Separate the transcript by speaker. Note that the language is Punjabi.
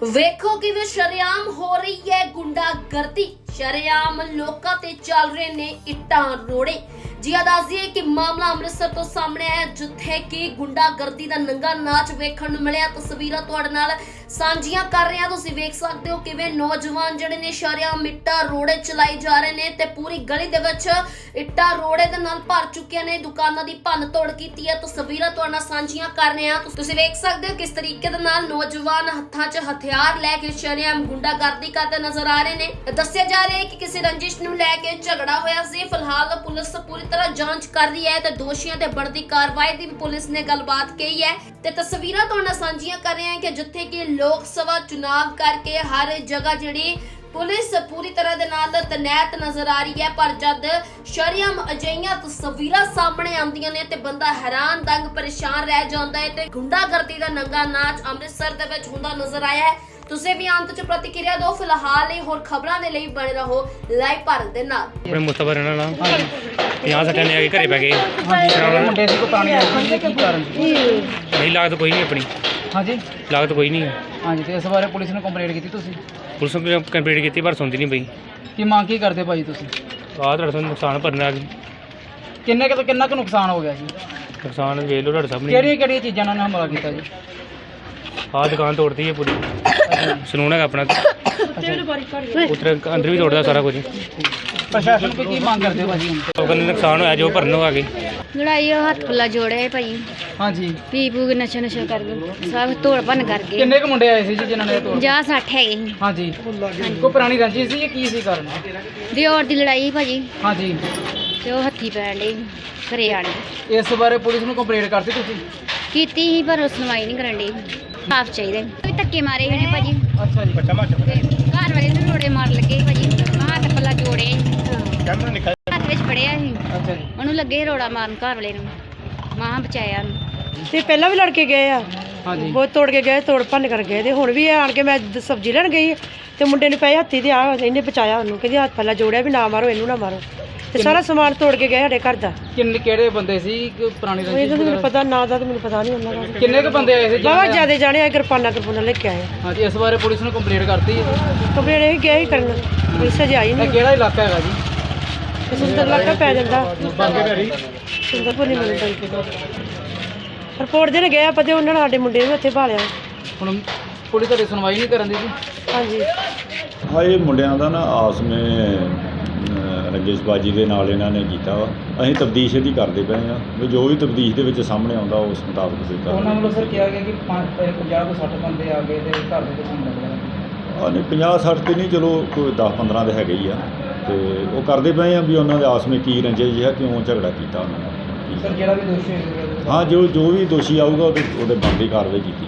Speaker 1: ਵੇਖੋ ਕਿਵੇਂ ਸ਼ਰੇਆਮ ਹੋ ਰਹੀ ਹੈ ਗੁੰਡਾਗਰਦੀ। ਸ਼ਰੇਆਮ ਲੋਕਾਂ ਤੇ ਚੱਲ ਰਹੇ ਨੇ ਇੱਟਾਂ ਰੋੜੇ। ਜੀ ਦੱਸੀਏ ਕਿ ਮਾਮਲਾ ਅੰਮ੍ਰਿਤਸਰ ਤੋਂ ਸਾਹਮਣੇ ਆਇਆ, ਜਿੱਥੇ ਕਿ ਗੁੰਡਾਗਰਦੀ ਦਾ ਨੰਗਾ ਨਾਚ ਵੇਖਣ ਨੂੰ ਮਿਲਿਆ। ਤਸਵੀਰਾਂ ਤੁਹਾਡੇ ਨਾਲ ਸਾਂਝੀਆਂ ਕਰ ਰਹੇ ਹਾਂ। ਤੁਸੀਂ ਵੇਖ ਸਕਦੇ ਹੋ ਕਿਵੇਂ ਨੌਜਵਾਨ ਜਿਹੜੇ ਨੇ ਸ਼ਰੇਆਮ ਇੱਟਾਂ ਰੋੜੇ ਚਲਾਈ ਜਾ ਰਹੇ ਨੇ ਤੇ ਪੂਰੀ ਗਲੀ ਦੇ ਵਿੱਚ ਇੱਟਾਂ ਰੋੜੇ ਦੇ ਨਾਲ ਭਰ ਚੁੱਕੀਆਂ ਨੇ। ਦੁਕਾਨਾਂ ਦੀ ਭੰਨ ਤੋੜ ਕੀਤੀ ਹੈ। ਤਸਵੀਰਾਂ ਤੁਹਾਡੇ ਨਾਲ ਸਾਂਝੀਆਂ ਕਰ ਰਹੇ ਹਾਂ। ਤੁਸੀਂ ਵੇਖ ਸਕਦੇ ਹੋ ਕਿਸ ਤਰੀਕੇ ਦੇ ਨਾਲ ਨੌਜਵਾਨ ਹੱਥਾਂ 'ਚ ਹਥਿਆਰ ਲੈ ਕੇ ਸ਼ਰੇਆਮ ਗੁੰਡਾਗਰਦੀ ਕਰਦੇ ਨਜ਼ਰ ਆ ਰਹੇ ਨੇ। ਦੱਸਿਆ ਜਾ ਰਿਹਾ ਹੈ ਕਿ ਕਿਸੇ ਰੰਜਿਸ਼ ਨੂੰ ਲੈ ਕੇ ਝਗੜਾ ਹੋਇਆ ਸੀ। ਫਿਲਹਾਲ ਪੁਲਿਸ ਪੂਰੀ ਤਰ੍ਹਾਂ ਜਾਂਚ ਕਰ ਰਹੀ ਹੈ ਤੇ ਦੋਸ਼ੀਆਂ ਤੇ ਬਣਦੀ ਕਾਰਵਾਈ ਦੀ ਵੀ ਪੁਲਿਸ ਨੇ ਗੱਲਬਾਤ ਕਹੀ ਹੈ। ਤੇ ਤਸਵੀਰਾਂ ਤੁਹਾਡੇ ਨਾਲ ਸਾਂਝੀਆਂ ਕਰ ਰਹੇ ਹਾਂ ਕਿ ਜਿੱਥੇ ਕਿ ਲੋਕ ਸਭਾ ਚੁਣਾਵ ਕਰਕੇ ਹਰ ਜਗ੍ਹਾ ਜਿਹੜੀ ਪੁਲਿਸ ਪੂਰੀ ਤਰ੍ਹਾਂ ਦੇ ਨਾਲ ਤੈਨਾਤ ਨਜ਼ਰ ਆ ਰਹੀ ਹੈ, ਪਰ ਜਦ ਸ਼ਰੇਆਮ ਅਜਿਹੀਆਂ ਤਸਵੀਰਾਂ ਸਾਹਮਣੇ ਆਉਂਦੀਆਂ ਨੇ ਤੇ ਬੰਦਾ ਹੈਰਾਨ ਦੰਗ ਪਰੇਸ਼ਾਨ ਰਹਿ ਜਾਂਦਾ ਹੈ। ਤੇ ਗੁੰਡਾਗਰਦੀ ਦਾ ਨੰਗਾ ਨਾਚ ਅੰਮ੍ਰਿਤਸਰ ਦੇ ਵਿੱਚ ਹੁੰਦਾ ਨਜ਼ਰ ਆਇਆ ਹੈ। ਤੁਸੀਂ ਵੀ ਅੰਤ 'ਚ ਪ੍ਰਤੀਕਿਰਿਆ ਦਿਓ। ਫਿਲਹਾਲ ਇਹ ਹੋਰ ਖਬਰਾਂ ਦੇ ਲਈ ਬਣੇ ਰਹੋ ਲਾਈਵ ਭਾਰਤ ਦੇ ਨਾਲ।
Speaker 2: ਆਪਣੇ ਮੁਸਤਫਾ ਰਹਿਣਾ ਨਾਲ 50 ਸੱਟਾਂ ਨੇ ਆ ਕੇ ਘਰੇ ਪੈ ਗਏ।
Speaker 3: ਮੁੰਡੇ ਸੀ ਕੋ ਪੁਰਾਣੀ ਐਕਸ਼ਨ ਦੀ ਕੀ ਕਾਰਨ ਸੀ?
Speaker 2: ਨਹੀਂ ਲਾਗਤ ਕੋਈ ਨਹੀਂ ਆਪਣੀ,
Speaker 3: ਹਾਂਜੀ
Speaker 2: ਲਾਗਤ ਕੋਈ ਨਹੀਂ।
Speaker 3: ਹਾਂਜੀ, ਤੇ ਇਸ ਬਾਰੇ ਪੁਲਿਸ ਨੂੰ ਕੰਪਲੇਂਟ ਕੀਤੀ ਤੁਸੀਂ?
Speaker 2: ਪੁਲਿਸ ਨੂੰ ਕੰਪਲੀਟ ਕੀਤੀ ਪਰ ਸੁਣਦੀ ਨਹੀਂ ਪਈ।
Speaker 3: ਕੀ ਮੰਗ ਕੀ ਕਰਦੇ ਭਾਈ ਤੁਸੀਂ?
Speaker 2: ਆਹ ਤੁਹਾਡੇ ਤੋਂ ਨੁਕਸਾਨ ਭਰਨਾ ਆ ਗਈ।
Speaker 3: ਕਿੰਨਾ ਕੁ ਨੁਕਸਾਨ ਹੋ ਗਿਆ ਜੀ?
Speaker 2: ਨੁਕਸਾਨ ਵੇਖ ਲਓ ਤੁਹਾਡੇ ਸਾਹਮਣੇ।
Speaker 3: ਕਿਹੜੀਆਂ ਚੀਜ਼ਾਂ ਨਾਲ ਹਮਲਾ ਕੀਤਾ ਜੀ?
Speaker 2: ਆਹ ਦੁਕਾਨ ਤੋੜਦੀ ਹੈ ਪੂਰੀ। ਸਲੂਨ ਹੈਗਾ ਆਪਣਾ, ਉੱਧਰ ਅੰਦਰ ਵੀ ਤੋੜਦਾ ਸਾਰਾ ਕੁਝ।
Speaker 3: ਪ੍ਰਸ਼ਾਸਨ ਕੋਲ ਕੀ ਮੰਗ ਕਰਦੇ ਹੋ ਭਾਜੀ ਹੁਣ?
Speaker 2: ਉਹ ਕਹਿੰਦੇ ਨੁਕਸਾਨ ਹੋਇਆ ਜੋ ਭਰਨ ਨੂੰ ਆ ਗਏ।
Speaker 4: ਲੜਾਈ ਉਹ ਹੱਥ ਪੱਲਾ ਜੋੜਿਆ ਭਾਈ,
Speaker 3: ਹਾਂਜੀ,
Speaker 4: ਪੀ ਪੂ ਕੇ ਨਸ਼ਾ ਕਰ ਗਏ, ਸਭ ਤੋੜ ਭੰਨ ਕਰ ਗਏ।
Speaker 3: ਕਿੰਨੇ ਕੁ ਮੁੰਡੇ ਆਏ ਸੀ ਜੀ ਜਿਨ੍ਹਾਂ ਨੇ ਤੋੜ?
Speaker 4: 50-60 ਹੈਗੇ ਸੀ।
Speaker 3: ਹਾਂਜੀ, ਕੋਈ ਪੁਰਾਣੀ ਰੰਜਿਸ਼ ਸੀ ਜਾਂ ਕੀ ਸੀ ਕਾਰਨ?
Speaker 4: ਦਿਓਰ ਦੀ ਲੜਾਈ ਭਾਜੀ,
Speaker 3: ਹਾਂਜੀ,
Speaker 4: ਤੇ ਉਹ ਹੱਥੀ ਪੈਣ ਲਈ ਘਰੇ ਆਣ ਕੇ
Speaker 3: ਇਸ ਬਾਰੇ ਪੁਲਿਸ ਨੂੰ ਕੰਪਲੇਂਟ ਕਰਤੀ ਤੁਸੀਂ?
Speaker 4: ਕੀਤੀ ਸੀ ਪਰ ਉਹ ਸੁਣਵਾਈ ਨਹੀਂ ਕਰਨ ਡਈ। ਸਾਫ ਚਾਹੀਦਾ ਵੀ ਧੱਕੇ ਮਾਰੇ ਹੋਏ ਨੇ ਭਾਜੀ।
Speaker 3: ਅੱਛਾ ਜੀ,
Speaker 4: ਤੇ ਘਰ ਵਾਲੇ ਨੂੰ ਰੋੜੇ ਮਾਰ ਲੱਗੇ ਸੀ ਭਾਜੀ। ਹੱਥ ਪੱਲਾ ਜੋੜੇ ਹੱਥ ਵਿੱਚ ਫੜਿਆ ਸੀ,
Speaker 3: ਅੱਛਾ ਜੀ,
Speaker 4: ਉਹਨੂੰ ਲੱਗੇ ਰੋੜਾ ਮਾਰਨ ਘਰ ਵਾਲੇ ਨੂੰ। ਮਾਂ ਬਚਾਇਆ ਉਹਨੂੰ।
Speaker 5: ਤੇ ਪਹਿਲਾਂ ਵੀ ਲੜ ਕੇ ਗਏ ਆ,
Speaker 3: ਹਾਂਜੀ,
Speaker 5: ਬਹੁਤ ਤੋੜ ਕੇ ਗਏ, ਤੋੜ ਭੰਨ ਕਰ ਗਏ। ਤੇ ਹੁਣ ਵੀ ਇਹ ਆਣ ਕੇ ਮੈਂ ਸਬਜ਼ੀ ਲੈਣ ਗਈ ਤੇ ਮੁੰਡੇ ਨੇ ਪਏ ਹੱਥੀ ਤੇ ਆ ਇਹਨੇ ਬਚਾਇਆ ਉਹਨੂੰ, ਕਹਿੰਦੀ ਹੱਥ ਪੱਲਾ ਜੋੜਿਆ ਵੀ ਨਾ ਮਾਰੋ, ਇਹਨੂੰ ਨਾ ਮਾਰੋ। ਤੇ ਸਾਰਾ ਸਮਾਨ ਤੋੜ ਕੇ ਗਏ ਸਾਡੇ ਘਰ ਦਾ।
Speaker 3: ਕਿਹੜੇ ਬੰਦੇ ਸੀ? ਕੋਈ ਪੁਰਾਣੀ
Speaker 5: ਇਹਦਾ
Speaker 3: ਰੰਜਿਸ਼
Speaker 5: ਤਾਂ ਮੈਨੂੰ
Speaker 3: ਵਗੈਰਾ?
Speaker 5: ਪਤਾ ਨਾ ਦਾ, ਤੇ ਮੈਨੂੰ ਪਤਾ ਨਹੀਂ ਉਹਨਾਂ ਦਾ।
Speaker 3: ਕਿੰਨੇ ਕੁ ਬੰਦੇ ਆਏ ਸੀ
Speaker 5: ਬਾਬਾ ਜਿਆਦੇ ਜਾਣੇ ਆ, ਕਿਰਪਾਨਾਂ ਲੈ ਕੇ ਆਏ।
Speaker 3: ਹਾਂਜੀ, ਇਸ ਬਾਰੇ ਪੁਲਿਸ ਨੂੰ ਕੰਪਲੇਂਟ ਕਰਤੀ ਹੈ?
Speaker 5: ਕੰਪਲੇਂਟ ਇਹ ਗਏ ਹੀ ਕਰਨ, ਪੁਲਿਸ ਅਜੇ ਆਈ
Speaker 3: ਇਹ
Speaker 5: ਨਹੀਂ।
Speaker 3: ਕਿਹੜਾ ਇਲਾਕਾ ਹੈਗਾ ਜੀ?
Speaker 5: ਸੁੰਦਰ ਇਲਾਕਾ ਪੈ ਜਾਂਦਾ, ਸੁੰਦਰਪੁਰ ਨਹੀਂ ਮਿਲਦਾ। ਰਿਪੋਰਟ ਦੇਣ ਗਏ ਆਪਾਂ ਤੇ ਉਹਨਾਂ ਨੇ ਸਾਡੇ ਮੁੰਡੇ ਨੂੰ ਇੱਥੇ ਭਾਲਿਆ।
Speaker 3: ਹੁਣ ਪੁਲਿਸ ਤੁਹਾਡੀ ਸੁਣਵਾਈ ਨਹੀਂ ਕਰਨ ਦੀ ਜੀ?
Speaker 5: ਹਾਂਜੀ,
Speaker 6: ਹਾਂ, ਇਹ ਮੁੰਡਿਆਂ ਦਾ ਨਾ ਆਸ ਵਿੱਚ ਰੰਜਿਸ਼ਬਾਜੀ ਦੇ ਨਾਲ ਇਹਨਾਂ ਨੇ ਕੀਤਾ ਵਾ। ਅਸੀਂ ਤਬਦੀਸ਼ ਇਹਦੀ ਕਰਦੇ ਪਏ ਹਾਂ ਵੀ ਜੋ ਵੀ ਤਬਦੀਸ਼ ਦੇ ਵਿੱਚ ਸਾਹਮਣੇ ਆਉਂਦਾ ਉਸ ਮੁਤਾਬਕ ਅਸੀਂ
Speaker 3: ਉਹਨਾਂ
Speaker 6: ਕਰਾਂਗੇ।
Speaker 3: ਵੱਲੋਂ ਸਰ ਕਿਹਾ ਗਿਆ ਕਿ 50 ਤੋਂ 60 ਬੰਦੇ ਆ ਗਏ ਤੇ ਘਰ ਦੇ ਵਿੱਚ ਹਮਲਾ ਕਰਿਆ।
Speaker 6: ਨਹੀਂ 50-60 ਤੇ ਨਹੀਂ, ਚਲੋ ਕੋਈ 10-15 ਦੇ ਹੈਗੇ ਹੀ ਆ। ਤੇ ਉਹ ਕਰਦੇ ਪਏ ਆ ਵੀ ਉਹਨਾਂ ਦੇ ਆਸ ਵਿੱਚ ਕੀ ਰੰਜਿਸ਼ ਹੈ, ਕਿਉਂ ਝਗੜਾ ਕੀਤਾ ਉਹਨਾਂ ਨੇ।
Speaker 3: ਸਰ ਜਿਹੜਾ ਵੀ ਦੋਸ਼ੀ ਹੋਏਗਾ
Speaker 6: ਹਾਂ, ਜੋ ਵੀ ਦੋਸ਼ੀ ਆਊਗਾ ਉਹਦੇ ਬਣਦੀ ਕਾਰਵਾਈ ਕੀਤੀ